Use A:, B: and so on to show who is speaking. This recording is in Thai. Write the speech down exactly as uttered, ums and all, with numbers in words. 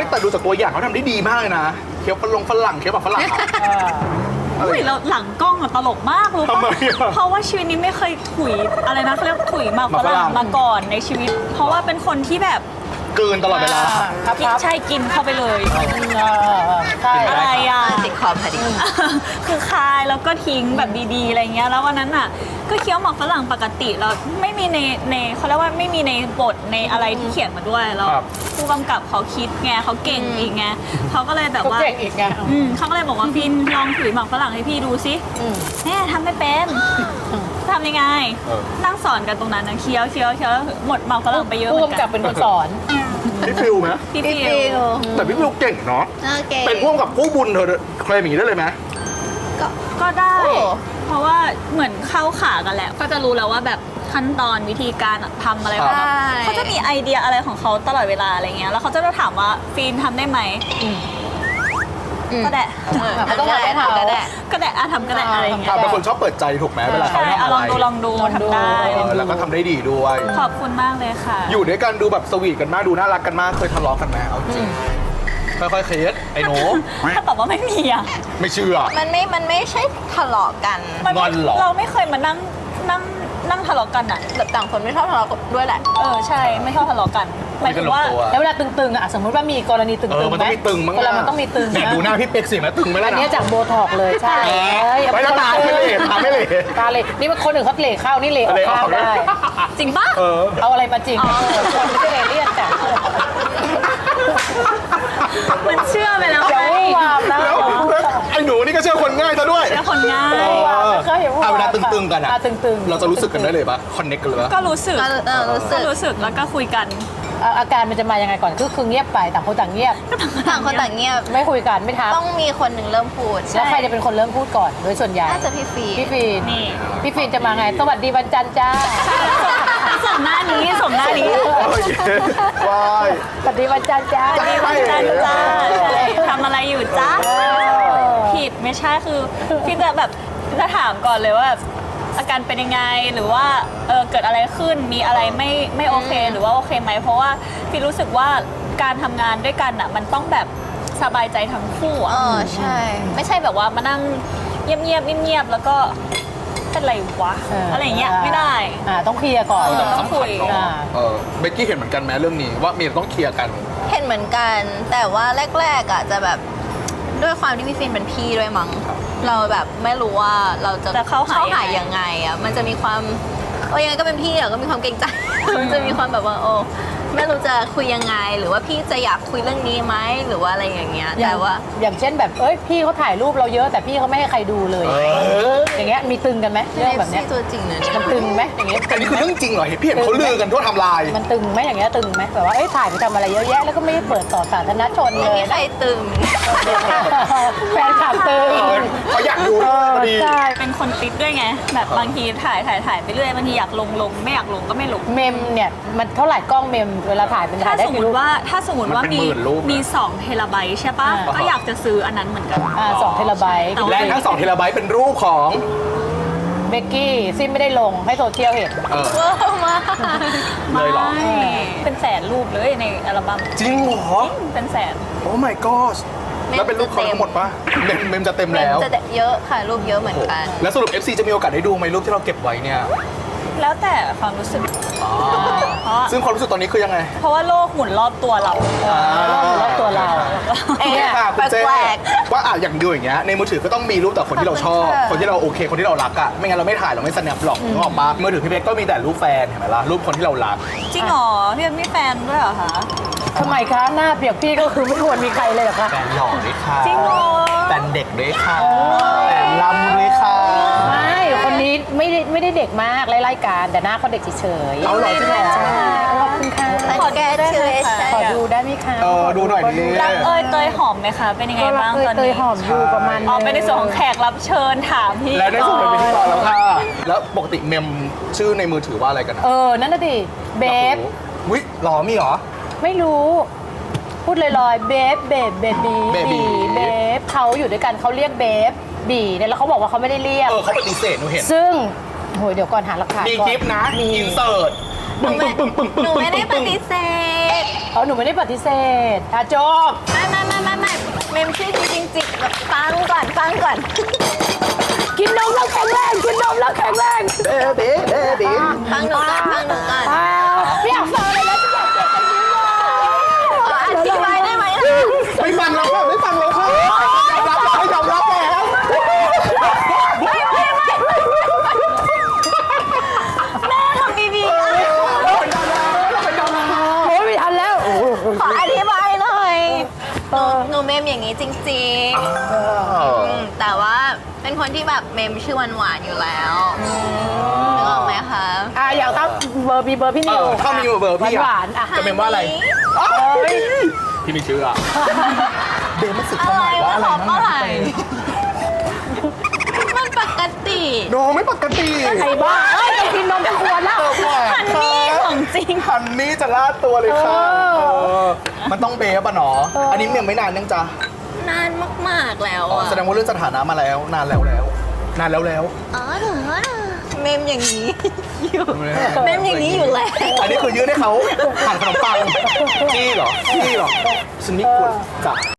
A: แต่ดูจากตัวอย่างเขาทำได้ดีมากเลยนะเคี้ยวฝรั่งฝรั่งเคี้ยวแบบฝรั่งอะ
B: อุ้ยแล้วหลังกล้องอะตลกมากรู้
A: ทำไม
B: ปะ
A: อะ
B: เพราะว่าชีวิตนี้ไม่เคยถุยอะไรนะเขาเรียกถุยหมาก
A: หมาก
B: ฝ
A: ฝรั่
B: รั่
A: ง
B: งมาก่อนในชีวิต เพราะว่าเป็นคนที่แบบ
A: กลืนตลอดเวลา
C: ครับ
B: กินใช่กินเข้าไปเลย
C: ใช่
B: อะไรอ่ะ
D: ติดคอพอดี
B: คือคายแล้วก็ทิ้งแบบดีๆอะไรเงี้ยแล้ววันนั้นอ่ะก็เคี้ยวหมากฝรั่งปกติแล้วไม่มีในในเขาเรียกว่าไม่มีในบทในอะไรที่เขียนมาด้วยแล้ว
A: ครับ
B: ผู้กำกับเขาคิดไงเขาเก่งอีกไงเขาก็เลยแบบ
C: เขา
B: ว่า
C: เก่งอีกไง
B: อืมเขาก็เลยบอกว่าฟินลองถือหมากฝรั่งให้พี่ดูสิ
C: อืม
B: แม่ทำไม่เป็นทำยังไง
A: เออ
B: นั่งสอนกันตรงนั้นนะเคี้ยวเคี้ยวเคี้ยวหมดหมากฝรั่งไปเยอะเห
C: ผู้
B: มือน
C: กำ
B: กั
C: กับเป็นคนสอน
A: พี่ฟิวไหม
B: พี่
D: พี่
B: ฟิ
D: ฟิ
B: ว
D: ว
A: แต่พี่ฟิวเก่งเนาะ
D: โอเค
A: เป็นพ่วงกับผู้บุญเธอเคลมอย่างนี้ได้เลยไหม
D: ก็
B: ก็ได้
D: โอ้
B: เพราะว่าเหมือนเข้าขากันแหละ ก็จะรู้แล้วว่าแบบขั้นตอนวิธีการทำอะไรของเขา
D: ใช่
B: เขาจะมีไอเดียอะไรของเขาตลอดเวลาอะไรเงี้ยแล้วเขาจะมาถามว่าฟีนทำได้ไหม
D: อืม
B: ก็ได้
D: เออ
C: มันต้องทำให้เขา
D: ก็ได้
B: ก็ได้อะทำก็ได้อะไรเงี้ย
A: ทำเป็นคนชอบเปิดใจถูกไหมเวลาเขา
B: ใช่
A: ทำ
B: อะ
A: อะ
B: ล
A: ไร
B: องดูลองดู
C: ลองดู
B: ทำได้
A: เออแล้วก็ทำได้ดีด้วย
B: ขอบคุณมากเลยค่ะ
A: อยู่ด้วยกันดูแบบสวีทกันมากดูน่ารักกันมากเคยทะเลาะกันไหมเอาจริงค่อยๆเคสไอ้หนู
B: ถ้าตอบว่าไม่มีอ่ะ
A: ไม่เชื่อ
D: มันไม่มันไม่ใช่ทะเลาะกัน
B: มัน
A: งอนเหรอ
B: เราไม่เคยมานั่งนั่งนั่งทะเลาะกันอ่ะ
D: แบบต่างคนไม่ชอบทะเลาะกันด้วยแหละ
B: เออใช่ไม่ชอบทะเลาะกันหมายถึงว่า
A: คุยกันลงตัว
C: แล้วเวลาตึงๆอ่ะสมมติว่ามีกรณีตึงๆ
A: เออมันต้องมีตึงมั้ง
C: คนเรามันต้องมีตึง
A: เนี่ยดูหน้าพี่เป็กสิมันตึงไหมล่ะ
C: อัน
A: นะ
C: นี้จากโบท็อกเลยใช่
A: เออ
C: เอ้ย
A: ไม่ต้องตาไม่เหลตาไม่เหล
C: ตาเลยนี่มันคนอื่นเขาเหล่เข้านี่เหล่ออก
A: เหลออก
C: ข้างได้
B: จริงปะ
A: เออ
C: เอาอะไรมาจริงคนไม่ใช่เอเลี่ยนจ้ะ
B: มันเชื่อไปแล้ว
C: อย่า
B: ไง
C: วู่วามนะ
A: แล้วไอ้หนูนี่ก็เชื่อคนง่ายซะด้วย
B: เชื่อคนง่าย
A: เออ
C: เคยเห็นว่า
A: เอาเวลาตึงๆกันอะ
C: อ่ะตึงๆ
A: เราจะรู้สึกกันได้เลยปะคอนเน็กกันเลยปะ
B: ก็รู้สึก
D: ก็เออรู้สึ
B: ก็
D: ก
B: รู้สึกแล้วก็คุยกัน
C: อ่ะอาการมันจะมายังไงก่อนคือคือเงียบไปต่างคนต่างเงียบ
D: ต่างคนต่างเงียบ
C: ไม่คุยกันไม่ทัก
D: ต้องมีคนหนึ่งเริ่มพูด
C: แล้วใครจะเป็นคนเริ่มพูดก่อนโดยส่วนใหญ่
D: น่าจะพี่ฟี
C: พี่ฟีน
B: นี่
C: พี่ฟีนจะมาไงสวัสดีวันจันทร์จ้า
B: สมหน้านี้สมหน้านี้
A: โอเควาย
C: สวัสดีวันจันทร์จ้า
A: ใช่
B: วันจันทร์จ้าใช่ทำอะไรอยู่จ้าผิดไม่ใช่คือพี่จะแบบจะถามก่อนเลยว่าแบบอาการเป็นยังไงหรือว่าเออเกิดอะไรขึ้นมีอะไรไม่ไม่โอเคหรือว่าโอเคไหมเพราะว่าพี่รู้สึกว่าการทำงานด้วยกันอ่ะมันต้องแบบสบายใจทั้งคู่
D: เอ
B: อ่ะ
D: อใช่
B: ไม่ใช่แบบว่ามานั่งเงียบๆเงียบๆแล้วก็เป็นไรวะอะไรอย่างเงี้ยไม่ได้
C: อ่าต้องเคลียร์ก่อน
B: เออ ต้องคุย
A: สำคัญเนอะเออเบกกี้เห็นเหมือนกันไหมเรื่องนี้ว่ามีต้องเคลียร์กัน
D: เห็นเหมือนกัน แต่ว่าแรกๆอ่ะจะแบบด้วยความที่พี่ฟินเป็นพี่ด้วยมั้งเราแบบไม่รู้ว่าเราจะ
B: จะเข้าหา
D: หายังไงอ่ะมันจะมีความโอ้ยังไงก็เป็นพี่อ่ะก็มีความเกรงใจ มันจะมีความแบบว่าโอ้ไม่รู้จะคุยยังไง หรือว่าพี่จะอยากคุยเรื่องนี้ไหมหรือว่าอะไรอย่างเงี้ย
C: อย่า
D: แต่
C: ง
D: ว่า
C: อย่างเช่นแบบเอ้ยพี่เขาถ่ายรูปเราเยอะแต่พี่เขาไม่ให้ใครดูเลย
A: เออ
C: อย่างเงี้ยมีตึงกันไหมเรื่องแบบเนี้ย
D: ตัวจริงนะเนี่ย
C: มันตึงไหมอย่างเงี้ย
A: อันนี้คือเรื่องจริงเหรอเห็นพี่เห็นเขาลือกันทั่วไทำลาย
C: มันตึงไหมอย่างเงี้ยตึงไหมแบบว่าเอ้ยถ่ายไปทำอะไรเยอะแยะแล้วก็ไม่ได้เปิดต่อสาธารณชนเล
D: ไม่
C: ย
D: มีใครตึง
C: แฟนคลับตึง
A: เออเขาอยากดูด้วยพอดี
C: ใช่
B: เป็นคนติดด้วยไง แบบบางทีถ่ายถ่ายถ่ายไปเรื่อยบางทีอยากลงลงไม่อยากลงก็ไม่ลง
C: เมมเนี่ยมันเท่าไหร่กล้องเมมเวลาถ่ายเป็นถ่า
B: ถ้าย
C: ได้
B: สมม
C: กี่รู
B: ติ
C: ป
B: ว่าถ้าสมมติว่า
A: มันเป็น
B: มี
A: หมื่นรูปนะ
B: มีสองเทราไบต์ใช่ปะ
C: อ่า
B: ก็อยากจะซื้ออันนั้นเหมือนกัน
C: อ่าสองเทราไบต์
B: แต่ว่า
A: และทั้งสองเทราไบต์เป็นรูปของ
C: เบกกี้ซิมไม่ได้ลงให้โซเชียลเห็น
A: เออ
D: เวอร์มาก
A: เลยเหรอ
B: ไม่เป็นแสนรูปเลยในอัลบั้ม
A: จริงเหรอ
B: เป็นแสน
A: โอ้ my god แล้วเป็นรูปเขาทั้งหมดปะเมมเมมจะเต็มแล้ว
D: จะเยอะค่ะรูปเยอะเหมือนกัน
A: แล้วสรุป เอฟ ซี จะมีโอกาสได้ดูไหมรูปที่เราเก็บไว้เนี่ย
B: แล้วแต่ความรู้สึก
A: อ๋อ
B: เพราะ
A: ซึ่งความรู้สึกตอนนี้คือยังไง
B: เพราะว่าโลกหมุนรอบตัวเรา
C: รอบรอบตัวเรา
D: เอ๊ะ
A: เนี่ยค่ะคุณเจ๊
D: แปลก
A: ว่าอ่ะอย่างดูอย่างเงี้ยในมือถือก็ต้องมีรูปแต่คนที่เราชอบ
D: ขอบคุณค่ะ
A: คนที่เราโอเค คนที่เรารักอะไม่งั้นเราไม่ถ่ายเราไม่สแนปหรอกนึกออกปะมือถือพี่เบกก็มีแต่รูปแฟนเห็นไหมล่ะรูปคนที่เรารัก
B: จริงเหรอพี่เป็นมีแฟนด้วยเหรอคะ
C: ทำไมคะหน้าเปรียบพี่ก็คือไม่ควรมีใครเลยเหรอคะ
A: แฟนหล่อด้วยค่ะ
B: จริงเหรอ
A: แฟนเด็กด้วยค่ะแฟนลำด้วยค่ะ
C: ไม่คนนี้ไม่ได้ไม่ได้เด็กมากไล่ๆกันแต่หน้าเขาเด็กเฉยๆ
A: เอาเหรอจริงเหรอ
C: ขอบคุณค่ะ
D: ขอแก้เชื่อ
C: ขอดูได้ไหมคะ
A: เออดูหน่อยดิ
B: รักเอยเตยหอมไหมคะ เป็นยังไง
C: ก็รั
B: บ้าก ง
C: เคย
B: ตอน
C: เตย
B: นี้
C: หอมอยู่ประมาณ
B: อ๋อเป็นในส่วนของแขกรับเชิญถามพี่
A: และในส่วนเป็นพิธีกรแล้วค่ะ แล้วปกติเมมชื่อในมือถือว่าอะไรกันนะ
C: เออ นั่นน่ะดิเบฟ
A: วิหรอมีเหรอ
C: ไม่รู้ พูดลอยๆเบฟเบฟเบบี
A: Baby
C: เบฟเขาอยู่ด้วยกันเขาเรียกเบฟบีเนี่ยแล้วเขาบอกว่าเขาไม่ได้เรียก
A: เออเขาปฏิเสธหนูเห็น
C: ซึ่งโหยเดี๋ยวก่อนหาหลักฐาน
A: มี
C: ก่อน
A: คลิปนะ
C: มี
A: อินเสิร์ต
D: หนู
A: ปึ้ง
D: ไม่
A: ปึ้งปึ้งปึ้ง
D: หนู
A: ปึ้ง
D: ไม่ได้ป
A: ปึ้ง
D: ฏิเสธธ
C: เอาหนูไม่ได้ปฏิเสธอ่ะจบ
D: ไม่ไม่ไม่ไม่ไม่เมมชื่อจริงๆจิแบบฟังก่อนฟังก่อน
C: กินนมแล้วแข็งแรงกินนมแล้วแข็งแรง
A: เอ๊ะเอ๊ะเอ๊ะเอ๊ะ
D: ฟังหนูก่อนฟังหนูก่อน
C: อ้าวไม่อยากฟังเลยนะฉันอยากเจ็บกันยิ้มเลย
D: ขออธิบายได้ไหมล่ะ
A: ไม่ฟังเราค่ะไม่ฟังเราค่ะยอมรับไม่ยอมรับแล้ว
D: ไม่ไม่ไม่แม่ทำดีๆอ่ะ
A: เราเป็นดาราเราเป็นดารา
C: โอ้ยไม่ทันแล้ว
D: ขออธิบายหน่อยหนูหนูเมมอย่างนี้จริงๆอืมแต่ว่าเป็นคนที่แบบเมมชื่อหวานๆอยู่แล้วนึกออกไหมคะ
C: อ่ะอยากตั้งเบอร์บีเบอร์พี่นิว
A: ถ้ามีเบอร์พี่
C: หวานๆอ่ะ
A: จะเป็นว่าอะไรพี่มีชื่ออะเบมมันสึกความหมายว่าอะไร
D: เมื่อไหร่
A: นั่น
D: มันปกติ
A: โนไม่ปกติ
C: ไอ้บ้าเอ้ยจะกินนมจะควรแล้ว
B: ฮันนี่ของจริง
A: ฮันนี่จะลาดตัวเลยค่ะ
C: เออ
A: เออมันต้องเบฟอะเนาะอันนี้ยังไม่นานยังจ้ะ
D: นานมากๆแล้ว
A: อ๋อ
D: อ่ะ
A: แสดงว่าเรื่องสถานะมาแล้วนานแล้วแล้ว นานแล้วแล้ว
D: อ๋อเหรอเมมอย่างนี้อยู่เมมอย่างนี้อยู่แล้ว
A: อันนี้คือยื่นให้เขาหั่นขนมปังจี้เหรอจี้เหรอฉันไม่ควรจับ